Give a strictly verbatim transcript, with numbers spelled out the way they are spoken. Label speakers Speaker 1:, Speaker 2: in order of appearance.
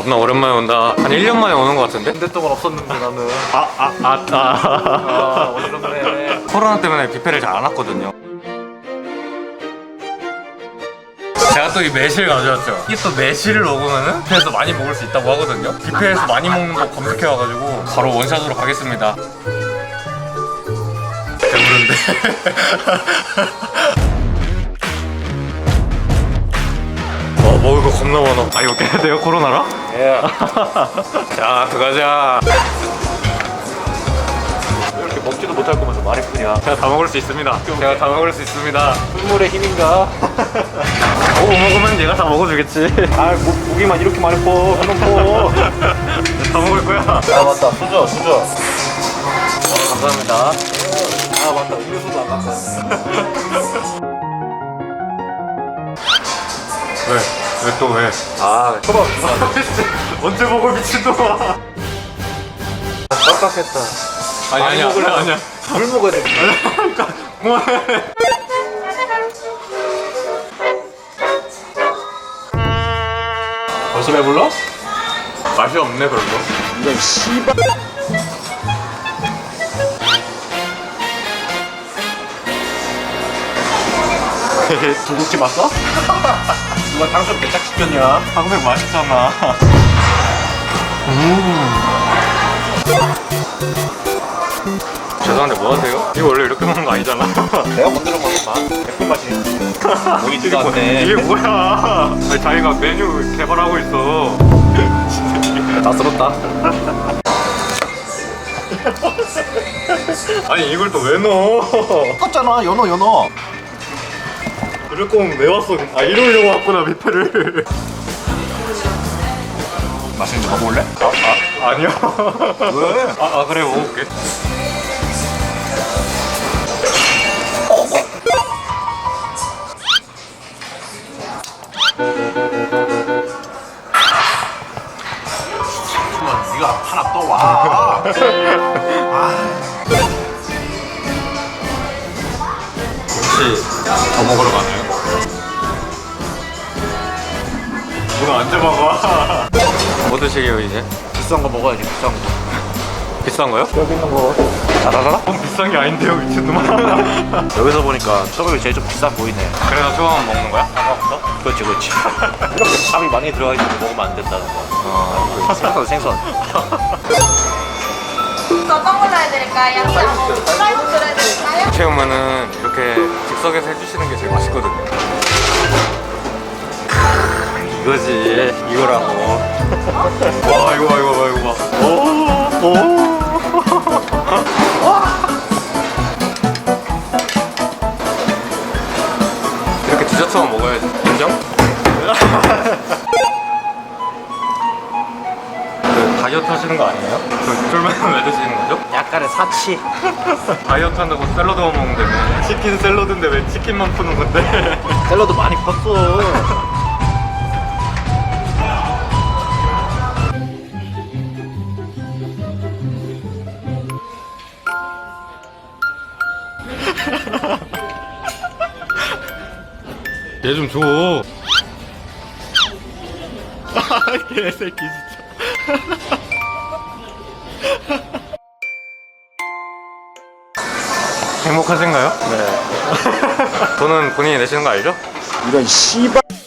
Speaker 1: 겁나 오랜만에 온다. 한 일 년 만에 오는 것 같은데?
Speaker 2: 한 달 동안 없었는데 나는.
Speaker 1: 아, 아, 아, 아.
Speaker 2: 아, 어지럽네.
Speaker 1: 코로나 때문에 뷔페를 잘 안 왔거든요. 제가 또 이 매실 가져왔죠. 이게 또 매실을 먹으면은 뷔페에서 많이 먹을 수 있다고 하거든요. 뷔페에서 많이 먹는 거 검색해와가지고 바로 원샷으로 가겠습니다. 배부른데. 와, 먹을 거 겁나 많아. 아, 이거 깨야 돼요? 코로나라?
Speaker 2: 예.
Speaker 1: 자, 들어가자.
Speaker 2: 이렇게 먹지도 못할 거면서 말이 뿐이야.
Speaker 1: 제가 다 먹을 수 있습니다. 제가 다 먹을 수 있습니다.
Speaker 2: 꿀물의 힘인가?
Speaker 1: 오, 먹으면 얘가 다 먹어주겠지.
Speaker 2: 아, 고, 고기만 이렇게 많이 퍼. 한번 퍼.
Speaker 1: 다 먹을 거야.
Speaker 2: 아, 맞다. 수저, 수저. 어, 감사합니다. 아, 맞다. 음료수도 안 갖고 왔네.
Speaker 1: 왜? 왜 또 왜?
Speaker 2: 아, 초밥.
Speaker 1: 언제 먹어 미친놈아.
Speaker 2: 빡빡했다.
Speaker 1: 아니
Speaker 2: 많이
Speaker 1: 아니야
Speaker 2: 먹으려면
Speaker 1: 아니야.
Speaker 2: 물 먹어야 돼.
Speaker 1: 그만해.
Speaker 2: 벌써 배불러?
Speaker 1: 맛이 없네 별로.
Speaker 2: 이건 씨발. 중국집 왔어? 누가 탕수육 개짝 시켰냐?
Speaker 1: 한국 맛있잖아. 죄송한데 뭐 하세요? 이거 원래 이렇게 먹는 거 아니잖아.
Speaker 2: 내가 만들어 먹은 맛. 예쁜 맛이. 여기
Speaker 1: 이게,
Speaker 2: 누가
Speaker 1: 뭐,
Speaker 2: 왔네.
Speaker 1: 이게 뭐야? 아니, 자기가 메뉴 개발하고 있어.
Speaker 2: 다 쓸었다.
Speaker 1: 아니 이걸 또 왜 넣어?
Speaker 2: 똑같잖아. 연어 연어.
Speaker 1: 이럴 거면 왜 왔어? 아 이러려고 왔구나 뷔페를.
Speaker 2: 맛있는지 먹어볼래?
Speaker 1: 아, 아 아니요.
Speaker 2: 왜?
Speaker 1: 아, 아 그래 먹어볼게.
Speaker 2: 네가 하나 또 와.
Speaker 1: 혹시 더 먹으러 가나요? 누가 언제 먹어? 뭐 드시게요 이제?
Speaker 2: 비싼 거 먹어야지. 비싼 거.
Speaker 1: 비싼 거요?
Speaker 2: 여기 있는 거. 자자자자.
Speaker 1: 그건 비싼 게 아닌데요 미친놈아.
Speaker 2: 여기서 보니까 초밥이 제일 좀 비싸 보이네.
Speaker 1: 그래서 초밥만 먹는 거야?
Speaker 2: 그렇지 그렇지. 이렇게 밥이 많이 들어가 있는 거 먹으면 안 된다는 거. 어. 생선 생선.
Speaker 3: 어떤 걸로 해드릴까요? 양념 프라이드 해드릴까요?
Speaker 1: 체험은 이렇게 즉석에서 해주시는 게 제일 맛있거든요. 이거지 이거라고. 와 이거 봐 이거 봐 이거 봐. 오, 오. 이렇게 디저트만 먹어야지. 인정? 그 다이어트 하시는 거 아니에요? 그 쫄면 왜 드시는 거죠?
Speaker 2: 약간의 사치.
Speaker 1: 다이어트 한다고 샐러드만 먹는다며. 치킨 샐러드인데 왜 치킨만 푸는 건데?
Speaker 2: 샐러드 많이 컸어.
Speaker 1: 얘 좀 줘. 아, 개새끼 진짜. 행복하신가요?
Speaker 2: 네.
Speaker 1: 돈은 본인이 내시는 거 알죠?
Speaker 2: 이런 씨발.